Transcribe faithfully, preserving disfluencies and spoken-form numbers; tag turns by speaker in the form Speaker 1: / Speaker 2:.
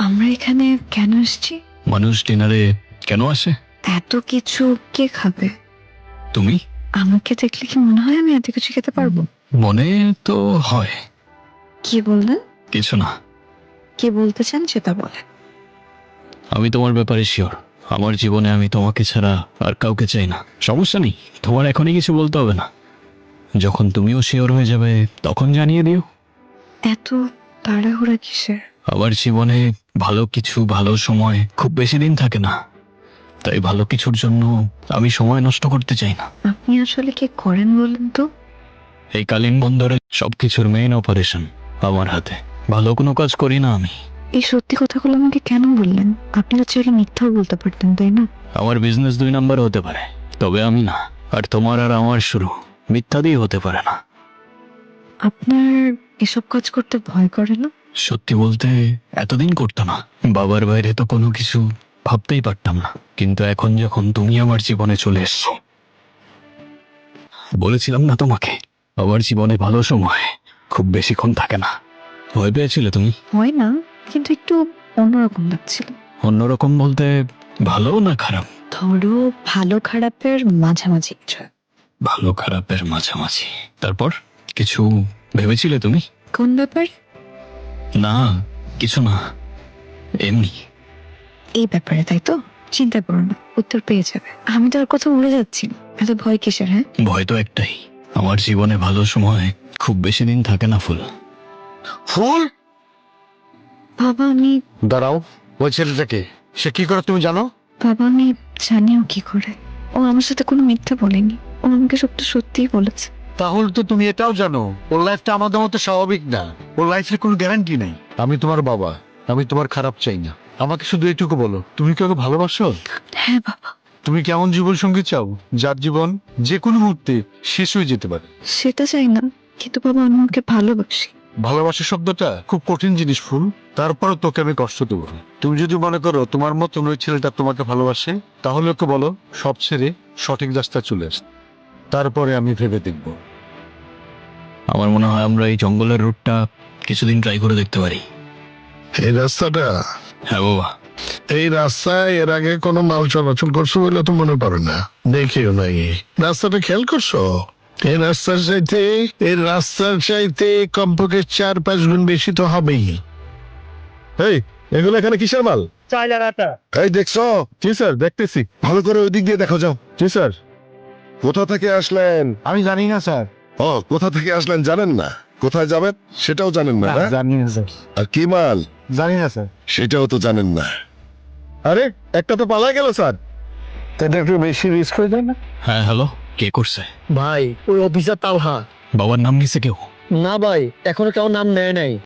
Speaker 1: আমরা এখানে কেন এসেছি?
Speaker 2: মানুষ ডিনারে কেন আসে?
Speaker 1: এত কিছু কে খাবে?
Speaker 2: তুমি?
Speaker 1: আমাকে দেখলে কি মনে হয় আমি এত কিছু খেতে পারবো?
Speaker 2: মনে তো হয়।
Speaker 1: কি বললেন?
Speaker 2: কিছু না।
Speaker 1: কি বলতে চান সেটা বলেন।
Speaker 2: আমি তোমার ব্যাপারে শিওর। আমার জীবনে আমি তোমাকে ছাড়া আর কাউকে চাই না। সমস্যা নেই, তোমার এখনই কিছু বলতে হবে না। যখন তুমিও শিওর হয়ে যাবে তখন জানিয়ে দিও।
Speaker 1: এত তাড়াহুড়া কিসের?
Speaker 2: আমার জীবনে ভালো কিছু, ভালো সময় খুব বেশি দিন থাকে না, তাই ভালো কিছুর জন্য আমি সময় নষ্ট করতে চাই না।
Speaker 1: আপনি আসলে কি করেন বলেন তো?
Speaker 2: এই কালীন বন্দরে সবকিছুর মেইন অপারেশন আমার হাতে। ভালো কোনো কাজ করি না আমি।
Speaker 1: এই সত্যি কথাগুলো আমাকে কেন বললেন? আপনি তো চাইলে মিথ্যাও বলতে পারতেন, তাই না?
Speaker 2: আমার বিজনেস দুই নাম্বার হতে পারে, তবে আমি না। আর তোমার আর আমার শুরু মিথ্যা দিয়ে হতে পারে না।
Speaker 1: আপনার এসব কাজ করতে ভয় করে না?
Speaker 2: সত্যি বলতে এতদিন করতো না। বাবার বাইরে তো কোনো কিছু ভাবতেই পারতাম না, কিন্তু এখন যখন তুমি আমার জীবনে চলে এসছো, বলেছিলাম না তোমাকে আমার জীবনে ভালো সময় খুব বেশিক্ষণ থাকে না। ভয় পেয়েছিলে তুমি?
Speaker 1: হয় না, কিন্তু একটু অন্যরকম লাগছিল।
Speaker 2: অন্যরকম বলতে ভালো না খারাপ?
Speaker 1: ধরো ভালো খারাপের মাঝামাঝি কিছু।
Speaker 2: ভালো খারাপের মাঝামাঝি। তারপর কিছু ভেবেছিলে তুমি?
Speaker 1: কোন ব্যাপার?
Speaker 2: না, কিছু না, এমনি।
Speaker 1: এই ব্যাপারে, তাই তো? চিন্তা করো না, উত্তর পেয়ে যাবে। আমি তো আর কথা ভুলে যাচ্ছি না। এত ভয় কিসের? হ্যাঁ,
Speaker 2: ভয় তো একটাই, আমার জীবনে ভালো সময় খুব বেশি দিন থাকে না। ফুল
Speaker 3: ফুল,
Speaker 1: বাবা আমি
Speaker 3: দাঁড়াও। ওই ছেলেটাকে, সে কি করে তুমি জানো?
Speaker 1: বাবা আমি জানিও কি করে। ও আমার সাথে কোনো মিথ্যা বলেনি, ও আমাকে সবটা সত্যিই বলেছে।
Speaker 3: তাহলে তো তুমি এটাও জানো ওর লাইফটা আমাদের মতো স্বাভাবিক না। ওর লাইফের কোনো গ্যারান্টি নেই। আমি তোমার বাবা, আমি তোমার খারাপ চাই না। আমাকে শুধু এইটুকু বলো, তুমি কি ওকে ভালোবাসো?
Speaker 1: হ্যাঁ বাবা।
Speaker 3: তুমি কেমন জীবন সঙ্গী চাও যার জীবন যে কোনো মুহূর্তে শেষ হয়ে যেতে পারে?
Speaker 1: সেটা চাই না, কিন্তু বাবা আমি ওকে ভালোবাসি।
Speaker 3: ভালোবাসা শব্দটা খুব কঠিন জিনিস ফুল, তারপরও তোকে আমি কষ্ট দেবো না। তুমি যদি মনে করো তোমার মতন ওই ছেলেটা তোমাকে ভালোবাসে, তাহলে ওকে বলো সব ছেড়ে সঠিক রাস্তায় চলে আস, তারপরে আমি ভেবে দেখব।
Speaker 2: আমার মনে হয় আমরা এই জঙ্গলের রুটটা কিছুদিন ট্রাই করে দেখতে পারি।
Speaker 4: এই রাস্তাটা,
Speaker 2: হ্যাঁ বাবা।
Speaker 4: এই রাস্তায় এর আগে কোনো মাল চলাচল করছো বলে তো মনে পড়ে না, দেখিও নাই। রাস্তাটা খেয়াল করছো? এই রাস্তার চাইতে এই রাস্তার চাইতে কমপক্ষে চার পাঁচ গুণ বেশি তো হবেই।
Speaker 5: এই, এগুলো এখানে কিসের মাল?
Speaker 4: এই দেখছো?
Speaker 5: জি স্যার, দেখতেছি।
Speaker 4: ভালো করে ওই দিক দিয়ে দেখো, যাও।
Speaker 5: জি স্যার।
Speaker 4: কোথা থেকে আসলেন?
Speaker 3: আমি জানি না স্যার।
Speaker 4: ও, কোথা থেকে আসলেন জানেন না, কোথায় যাবেন সেটাও জানেন না, না?
Speaker 3: জানি না স্যার।
Speaker 4: আর কি মাল
Speaker 3: জানি না স্যার।
Speaker 4: সেটাও তো জানেন না।
Speaker 5: আরে, একটা তো পালা গেল স্যার।
Speaker 3: এটা একটু বেশি রিস্ক হয়ে যায় না?
Speaker 2: হ্যাঁ হ্যালো, কে করছে?
Speaker 6: ভাই ওই অফিসার তালহা।
Speaker 2: বাবার নাম নিছে কেউ?
Speaker 6: না ভাই, এখনো কেউ নাম নেয় নাই।